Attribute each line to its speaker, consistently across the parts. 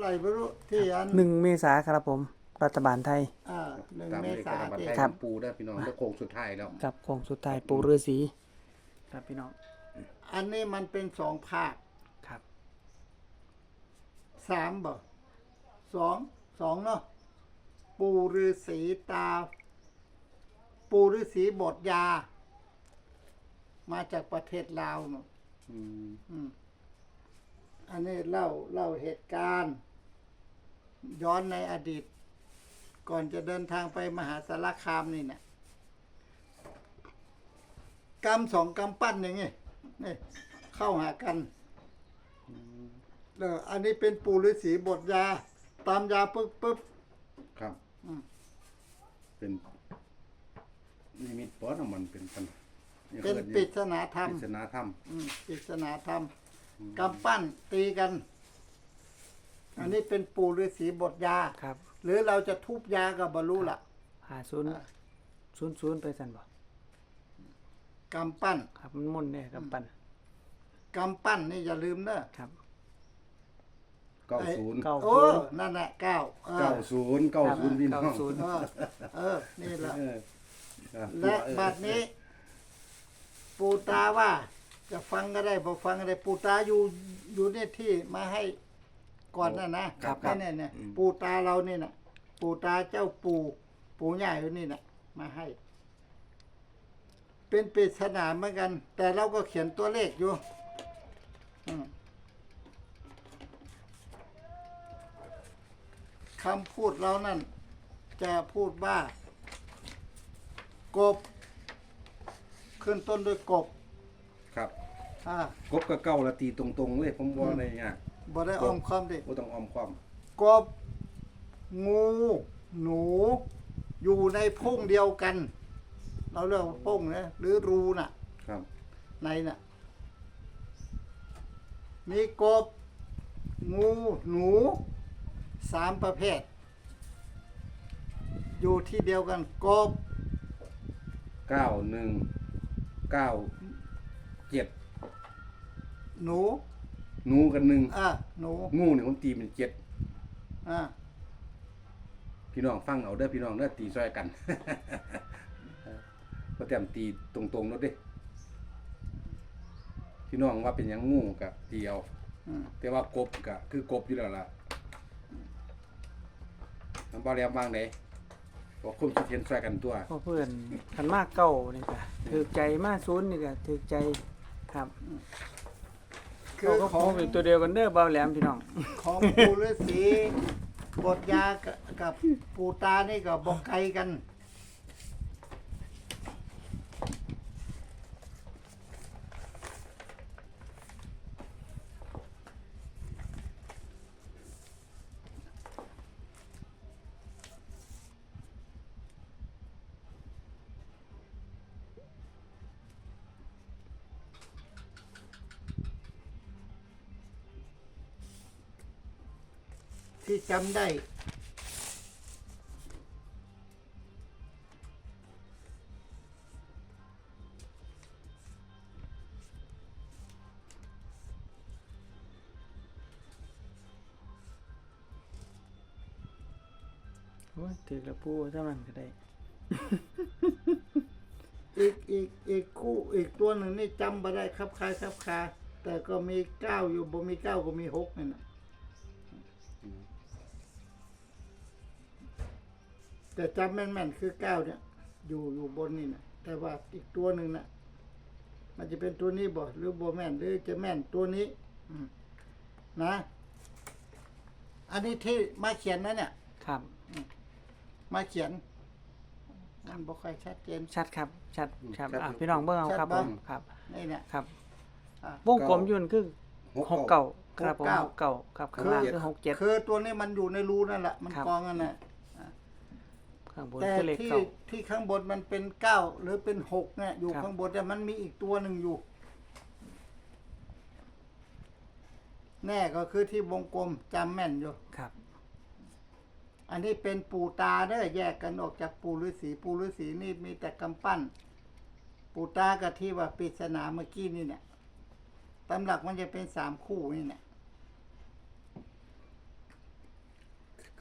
Speaker 1: ไหร่ไม่รู้ที่อัน
Speaker 2: 1 เมษายนครับผมรัฐบาลไทย
Speaker 1: 1 เมษายนที่
Speaker 2: ครับ
Speaker 3: ปูได้พี่น้องแล้วโค้งสุดท้ายแล้ว
Speaker 2: กับโค้งสุดท้ายปู่ฤาษีครับพี่น้อง
Speaker 1: อันนี้มันเป็น2 ภาค
Speaker 2: ครับ
Speaker 1: 3บ่2เนาะปู่ฤาษีปู่ฤาษีบทยา มาจากประเทศลาวเนาะอันนี้เล่าเหตุการณ์ ย้อนในอดีต ก่อนจะเดินทางไปมหาสารคามนี่เนี่ยกำ2 กำปั้นอย่างงี้นี่เข้าหากันอันนี้เป็นปู่ฤาษีบทยา ตามยาปึ๊บ
Speaker 3: ครับเป็นนิมิตปอดมันเป็นปัญ
Speaker 1: เป็นปริศนาธรรม
Speaker 3: ปริศนาธรรม
Speaker 1: ปริศนาธรรมกำปั้นตีกัน อันนี้เป็นปู่ฤาษีบทยา
Speaker 2: ครับ
Speaker 1: หรือเราจะทุบยากับบรรลุล่ะ
Speaker 2: 5000ไปสั่นบ่
Speaker 1: กำปั้น
Speaker 2: ครับมันมุ่นเนี่ยกำปั้น
Speaker 1: กำปั้นนี่อย่าลืมเนอะ
Speaker 2: ครับ
Speaker 3: 90
Speaker 1: โอ้นั่นแหละ9
Speaker 3: 90พี่น้อง
Speaker 1: นี่แหละและบัดนี้ ปู่ตาว่า จะฟังก็ได้บ่ฟังก็ได้ ปู่ตาอยู่เนี่ยที่มาให้ก่อนนะครับเนี่ยปู่ตาเรานี่น่ะ ปู่ตาเจ้าปู่ใหญ่อยู่นี่น่ะ มาให้ เป็นปริศนาเหมือนกัน แต่เราก็เขียนตัวเลขอยู่คำพูดเรานั่นจะพูดว่ากบ ขึ้นต้นด้วยกบ
Speaker 3: ครับ
Speaker 1: ก
Speaker 3: บกับเก้าละตีตรงๆเลยผมว่าในยาก
Speaker 1: บ่ได้อ้อมค้อมดิ
Speaker 3: บ่ต้องอ้อมความ
Speaker 1: กบ งู หนู อยู่ในพงเดียวกัน เราเรียกว่าพงนะหรือรูน่ะ
Speaker 3: ครับ
Speaker 1: ในน่ะ มีกบ งู หนู 3 ประเภท อยู่ที่เดียวกัน กบ
Speaker 3: 9197
Speaker 1: หนู
Speaker 3: หนูกัน1
Speaker 1: หนู
Speaker 3: งูเนี่ยผมตีเป็น7
Speaker 1: อ่า
Speaker 3: พี่น้องฟังเอาเด้อพี่น้องเด้อตีซอยกัน ก็เตรียมตีตรงๆแล้วเด้พี่น้องว่าเป็นหยังงูกับตีเอาแต่ว่ากบก็คือกบอยู่แล้วล่ะน้ำบ่แหลมวางไหนก็คุมสิเห็นซอยกันตัว
Speaker 2: พอเพื่อนคันมากเก่านี่ก็ถูกใจมาศูนย์นี่ก็ถูกใจครับ
Speaker 1: คือ
Speaker 2: ก็
Speaker 1: ข
Speaker 2: ข
Speaker 1: อ
Speaker 2: อง งเป็นตัวเดียวกันเด้อเบาแหลมพี่น้อง
Speaker 1: ของปู่ฤาษีบทยากับปู่ตานี่ก็บอกไกลกัน ที่จำได้
Speaker 2: โอ้ยถือกระปูเท่านั้นก็ได้
Speaker 1: อีกคู่อีกตัวหนึ่งนี่จำมาได้ครับคาแต่ก็มี9อยู่บ่มี9ก็มี6นี่นะแต่จำแม่นๆคือ9เนี่ยอยู่บนนี่นะแต่ว่าอีกตัวหนึ่งนะมันจะเป็นตัวนี้บ่หรือบ่แม่นหรือจะแม่นตัวนี้นะ อันนี้ที่มาเขียนนะเนี่ย
Speaker 2: ครับ
Speaker 1: มาเขียนมันบ่ค่อยชัดเจน
Speaker 2: ชัดครับชัดครับพี่น้องเบิ่งเอาครับผมครับ
Speaker 1: นี่เนี่ย
Speaker 2: ครับ
Speaker 1: อ่ะ
Speaker 2: วงกลมอยู่นั่นคือ69ครับผม69ครับข้างล่างคือ67
Speaker 1: คือตัวนี้มันอยู่ในรูนั่นแหละมัน
Speaker 2: ครับ
Speaker 1: กองกันน่ะ
Speaker 2: ข้างบน
Speaker 1: แต่
Speaker 2: คือเลข
Speaker 1: ที่ข้างบนมันเป็น9หรือเป็น6เนี่ยอยู่
Speaker 2: ครับ
Speaker 1: ข้างบนแต่มันมีอีกตัวหนึ่งอยู่ แน่ก็คือที่วงกลมจำแม่นอยู่
Speaker 2: ครับ
Speaker 1: อันนี้เป็นปู่ตาเด้อแยกกันออกจากปู่ฤาษีนี่มีแต่กำปั้น ปู่ตากับที่ว่าปริศนาเมื่อกี้นี่เนี่ยตำหลักมันจะเป็น3 คู่นี่เนี่ย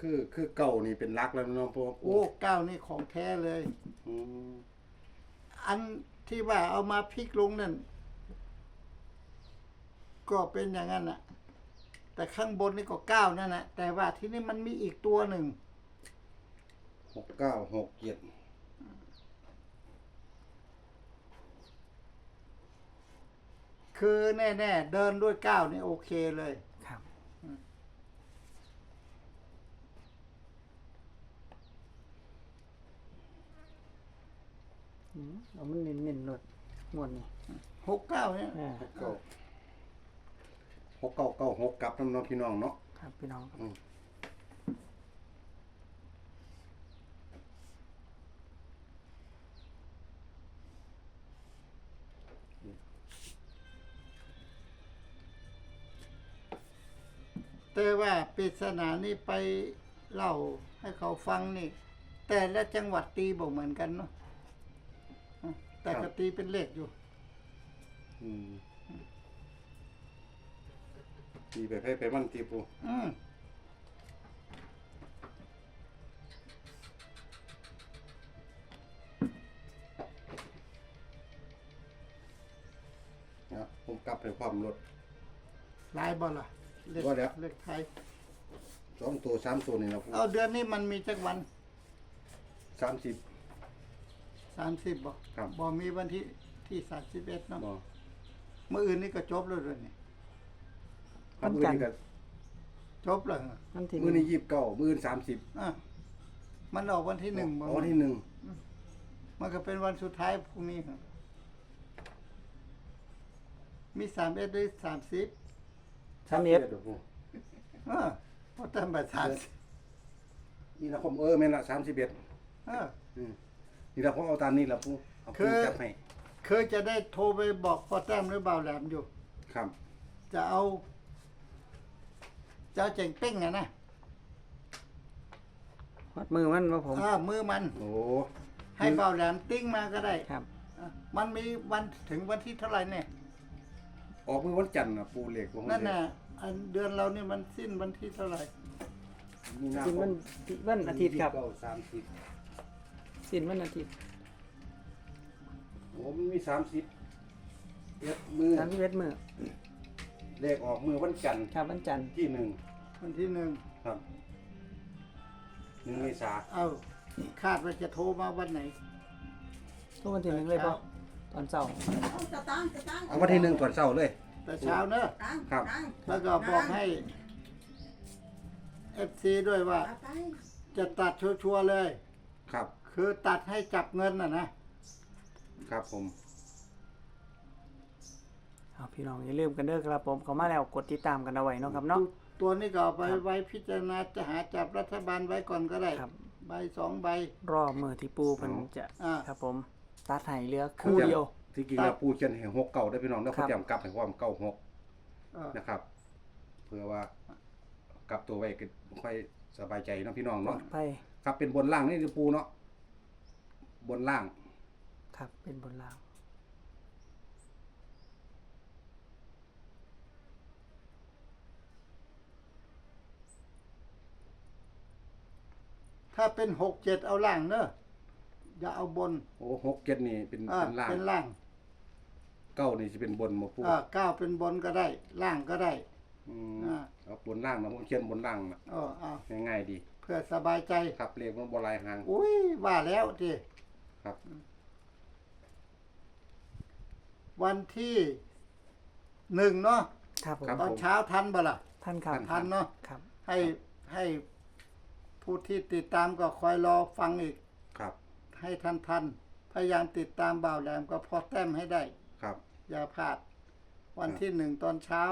Speaker 3: คือเก่านี่เป็นรักแล้วเนาะพ่อ
Speaker 1: โอ้เก้านี่ของแท้เลย
Speaker 3: อืม
Speaker 1: อันที่ว่าเอามาพลิกลงนั่นก็เป็นอย่างนั้นน่ะ แต่ข้างบนนี่ก็เก้านั่นแหละแต่ว่าที่นี่มันมีอีกตัวหนึ่ง
Speaker 3: 6967
Speaker 1: คือแน่ๆเดินด้วยเก้านี่โอเคเลย
Speaker 2: ครับเอามันเน้นๆหนดงวดนี่
Speaker 1: 69เนี่ย
Speaker 2: อ่า
Speaker 3: 6996กลับน้ำเนาะพี่น้องเนาะ
Speaker 2: ครับพี่น้องครับ
Speaker 1: แต่ว่าปริศนานี่ไปเล่าให้เขาฟังนี่ แต่ละจังหวัดตีบอกเหมือนกันเนาะแต่ก็ตีเป็นเลขอยู่
Speaker 3: อืมตีไปให้ไปมันตีปู
Speaker 1: อืม
Speaker 3: นะผมกลับให้ความรถ
Speaker 1: ลายบอลล่ะเลข
Speaker 3: ว่าแล้ว
Speaker 1: เลขไทย
Speaker 3: 2ตัว3ตัวนี่นะปู
Speaker 1: เอาเดือนนี้มันมีจักวัน
Speaker 3: 30
Speaker 1: 30บ่
Speaker 3: ครับ
Speaker 1: บ่มีวันที่31เนาะ
Speaker 3: บ่
Speaker 1: เมื่ออื่นนี่ก็จบแล้วเดือนนี้
Speaker 2: วันจันทร์
Speaker 3: มื้อ
Speaker 1: จบแล้วเหรอ
Speaker 2: มันที่
Speaker 3: นี้29มื้อนี้30
Speaker 1: อ่ะมันออกวันที่หนึ่งบ่
Speaker 3: วันที่
Speaker 1: มันก็เป็นวันสุดท้ายพรุ่งนี้ครับมี31หรือ30
Speaker 3: 1
Speaker 2: 31
Speaker 3: 31ปู
Speaker 1: พอตั้งแต่30
Speaker 3: นี่ละผมแม่นละ31
Speaker 1: เออ
Speaker 3: นี่ละผมเอาตามนี้ละปูเอา
Speaker 1: คื
Speaker 3: ปู
Speaker 1: อ
Speaker 3: จับให้
Speaker 1: เคยจะได้โทรไปบอกพ่อแต้มหรือเบาแหลมอยู่
Speaker 3: ครับ
Speaker 1: จะเอาเจ๋งเป้งอะนะ
Speaker 2: วัดมือมันว่าผม
Speaker 1: มือมัน
Speaker 3: โอ้
Speaker 1: ให้เบาแหลมติ้งมาก็ได้
Speaker 2: ครับ
Speaker 1: มันมีวันถึงวันที่เท่าไหร่เนี่ย
Speaker 3: ออกมื้อวันจันทร์น่ะปูเลขบ่
Speaker 1: นั่นน่ะอันเดือนเรานี่มันสิ้นวันที่เท่าไหร่
Speaker 3: มีนา
Speaker 2: สิ้น
Speaker 3: ค
Speaker 2: วั
Speaker 3: ม
Speaker 2: นวันอาทิตย์ครับ
Speaker 3: 29
Speaker 2: สิ้นวันอาทิตย์
Speaker 3: 30โอ้มันมี30เอ็ดมือ
Speaker 2: 31มื้อ
Speaker 3: เลขออกมือวันจันทร์
Speaker 2: ครับวันจันทร์
Speaker 3: ที่
Speaker 1: วันที่1
Speaker 3: 1ครับ1เมษา
Speaker 1: เอาคาดว่าจะโทรมาวันไหน
Speaker 2: ทุกวันที่1เลยบ่ตอนเช้า
Speaker 4: เอาสตางค์สตางค์
Speaker 3: เอาวันที่1ก่อนเช้าเลย
Speaker 1: แต่เช้าเนอะ
Speaker 4: ตังค์
Speaker 3: ครับ
Speaker 4: ตังค์
Speaker 1: แล้วก็บอกให้ FC ด้วยว่า
Speaker 4: เอาไป
Speaker 1: จะตัดชัวร์ๆเลย
Speaker 3: ครับ
Speaker 1: คือตัดให้จับเงินนะครับ
Speaker 3: ผม
Speaker 2: เอาพี่น้องอย่าลืมกันเด้อครับผมเข้ามาแล้วกดติดตามกันเอาไว้เนาะครับเนาะ
Speaker 1: ตัวนี้ก็เอาไปไว้พิจารณาจะหาจับรัฐบาลไว้ก่อนก็ได้
Speaker 2: ครับ
Speaker 1: ใบ2 ใบ
Speaker 2: รอมือที่ปูเพิ่นจะ
Speaker 1: อ่า
Speaker 2: ครับผมตัดให้เหลือคู่เดียว
Speaker 3: ที่จริงแล้วปูเขียนให้6เก่าได้พี่น้องแล้ว
Speaker 2: ครั
Speaker 3: เขา
Speaker 2: บ
Speaker 3: จำกลับให้ความเก่า6
Speaker 1: เออ
Speaker 3: นะครับ เพื่อว่ากลับตัวไว้ก็ค่อยสบายใจเนาะพี่น้อง
Speaker 2: ปลอ
Speaker 3: เนาะ
Speaker 2: ดภัย
Speaker 3: ครับเป็นบนล่างนี่คือปูเนาะบนล่าง
Speaker 2: ครับเป็นบนล่าง
Speaker 1: ถ้าเป็น6-7เอาล่างเนอะอย่าเอาบน
Speaker 3: โอ้6 7นี่เป็น
Speaker 1: เป็น
Speaker 3: ล่าง
Speaker 1: เป็นล่าง
Speaker 3: เก้านี่สิเป็นบนบ่ปู
Speaker 1: 9เป็นบนก็ได้ ล่างก็ได้
Speaker 3: อืม
Speaker 1: อ่า
Speaker 3: เอาบนล่างนะผมเขียนบนล่างนะ
Speaker 1: เอา
Speaker 3: ง่ายๆดี
Speaker 1: เพื่อสบายใจ
Speaker 3: ครับเลขมันบ่หลายหาง
Speaker 1: อุ้ยว่าแล้วที
Speaker 3: ครับ
Speaker 1: วันที่1เนาะ
Speaker 2: ครับผม
Speaker 1: ตอนเช้าทันบ่ล่ะ
Speaker 2: ท่านครับ
Speaker 1: ทันเนาะ
Speaker 2: ครับ
Speaker 1: ให้ผู้ที่ติดตามก็คอยรอฟังอีก
Speaker 3: ครับ
Speaker 1: ให้ทันพยายามติดตามบ่าวแหลมก็พอแต้มให้ได้
Speaker 3: ครับ
Speaker 1: อย่าพลาด วันที่1ตอนเช้า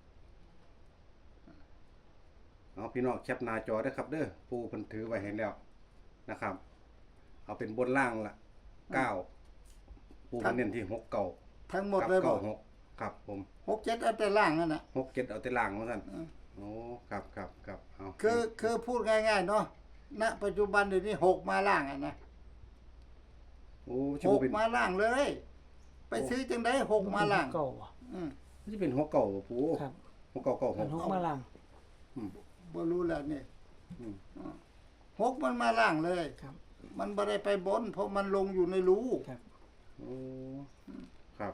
Speaker 3: เอาพี่น้องแคปหน้าจอได้อครับเด้อปูเพิ่นถือไว้ให้แล้วนะครับ เอาเป็นบนล่างละ9ปูเพิ่นเน้นที่6เก่า
Speaker 1: ทั้งหมด
Speaker 3: กับ
Speaker 1: เลยบอก
Speaker 3: 96ครับผม
Speaker 1: 6-7เอาแต่ล่างนั่นน่ะ
Speaker 3: 6 7เอาแต่ล่างว่าซั่นโอ้ครับเอา
Speaker 1: คือพูดง่ายๆเนาะณปัจจุบันเดี๋ยวนี้6มาล่างอ่ะนะ
Speaker 3: โอ้ชิบ่เป็น
Speaker 1: 6มาล่างเลย ไปซื้อจังได้6มาล่าง
Speaker 2: เก่าอ่ะ
Speaker 1: อืม
Speaker 3: สิเป็น6เก่าบ่ปู
Speaker 2: ครับ
Speaker 3: 6เก่า
Speaker 2: มัน
Speaker 3: 96
Speaker 2: 6มาล่าง
Speaker 1: บ่รู้แล้วนี่
Speaker 3: อืม
Speaker 1: หกมันมาล่างเลย
Speaker 2: ครับ
Speaker 1: มันบ่ได้ไปบน เพราะมันลงอยู่ในรู
Speaker 2: ครับ
Speaker 3: โอ้ครับ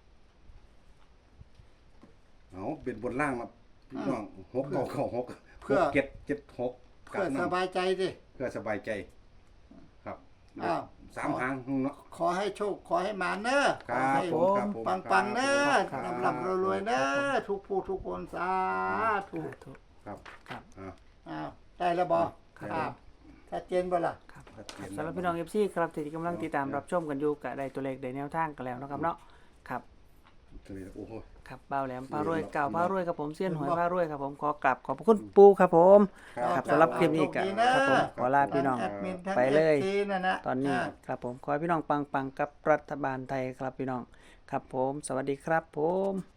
Speaker 3: เอาเป็นบนล่างมาพี่น้องหกเก้าเก้าหกหกเจ็ดเจ็ดหก
Speaker 1: เพื่อสบายใจดิ
Speaker 3: เพื่อสบายใจ ครับ
Speaker 1: อ้าว
Speaker 3: สามหางเนาะ
Speaker 1: ขอให้โชค ขอให้มาเนอะ
Speaker 3: ค
Speaker 1: ขอ
Speaker 3: รับ
Speaker 1: ให้
Speaker 3: ผมครับผม
Speaker 1: ปังๆเนอะ
Speaker 2: ครับ
Speaker 1: ลำๆรวยๆเนอะทุกผู้ทุกคนสาธุ
Speaker 2: สาธุ
Speaker 3: ครับ
Speaker 2: ครับ
Speaker 3: อ่า
Speaker 1: อ้าวได้แล้วบ่
Speaker 2: ครับ
Speaker 1: อ้าวชัดเจนบ่ล่ะ
Speaker 2: ครับ
Speaker 3: ชัดเจน
Speaker 2: สำหรับพี่น้อง FC ครับที่กำลังติดตามรับชมกันอยู่ก็ได้ตัวเลขได้แนวทางกันแล้วนะครับเนาะครับ
Speaker 3: ตัวนี้โอ้โห
Speaker 2: ครับเบาแหลมพารวยเก่า
Speaker 3: ครับ
Speaker 2: พารวยครับผมเสี้ยนหวยพารวยครับผมขอกราบขอบพระคุณปูครับผมครับสำหรับคลิปนี้ก็ครับผมขอลาพี่น้อง
Speaker 1: ทั้แอดมินทั้ง
Speaker 2: ไปเลย
Speaker 1: FC นั่นนะ
Speaker 2: ตอนนี้ครับผมขอให้พี่น้องปังๆกับรัฐบาลไทยครับพี่น้องครับผมสวัสดีครับผม